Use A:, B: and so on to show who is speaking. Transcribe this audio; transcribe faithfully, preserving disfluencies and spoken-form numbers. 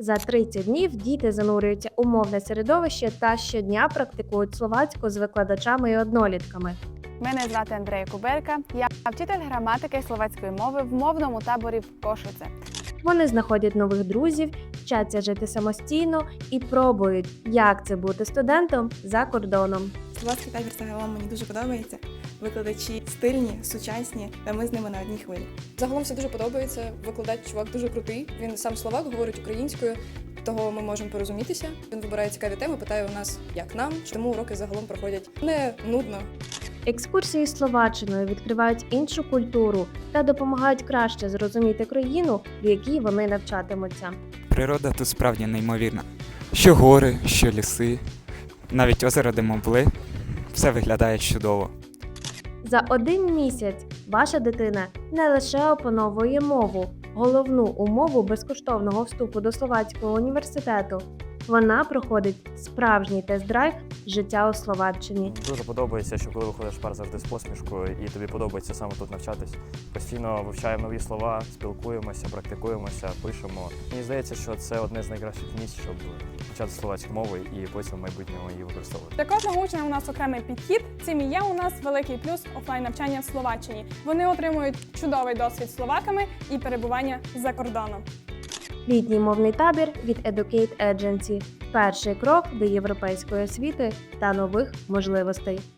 A: За тридцять днів діти занурюються у мовне середовище та щодня практикують словацьку з викладачами і однолітками.
B: Мене звати Андрея Кубелька. Я вчитель граматики словацької мови в мовному таборі в Кошице.
A: Вони знаходять нових друзів, вчаться жити самостійно і пробують, як це бути студентом за кордоном.
C: Словацький табір загалом мені дуже подобається. Викладачі стильні, сучасні, та ми з ними на одній хвилі.
D: Загалом все дуже подобається. Викладач чувак дуже крутий. Він сам словак, говорить українською, того ми можемо порозумітися. Він вибирає цікаві теми, питає у нас, як нам, тому уроки загалом проходять не нудно.
A: Екскурсії Словаччиною відкривають іншу культуру та допомагають краще зрозуміти країну, в якій вони навчатимуться.
E: Природа тут справді неймовірна. Що гори, що ліси, навіть озеро, де ми були, все виглядає чудово.
A: За один місяць ваша дитина не лише опановує мову, головну умову безкоштовного вступу до Словацького університету. Вона проходить справжній тест-драйв життя у Словаччині.
F: Дуже подобається, що коли виходиш в пар завжди з посмішкою і тобі подобається саме тут навчатись. Постійно вивчаємо нові слова, спілкуємося, практикуємося, пишемо. Мені здається, що це одне з найкращих місць, щоб вчати словацьку мову і потім в майбутньому її використовувати.
B: Для кожного учня у нас окремий підхід. Цим і є у нас великий плюс офлайн навчання в Словаччині. Вони отримують чудовий досвід з словаками і перебування за кордоном.
A: Літній мовний табір від Educate Agency – перший крок до європейської освіти та нових можливостей.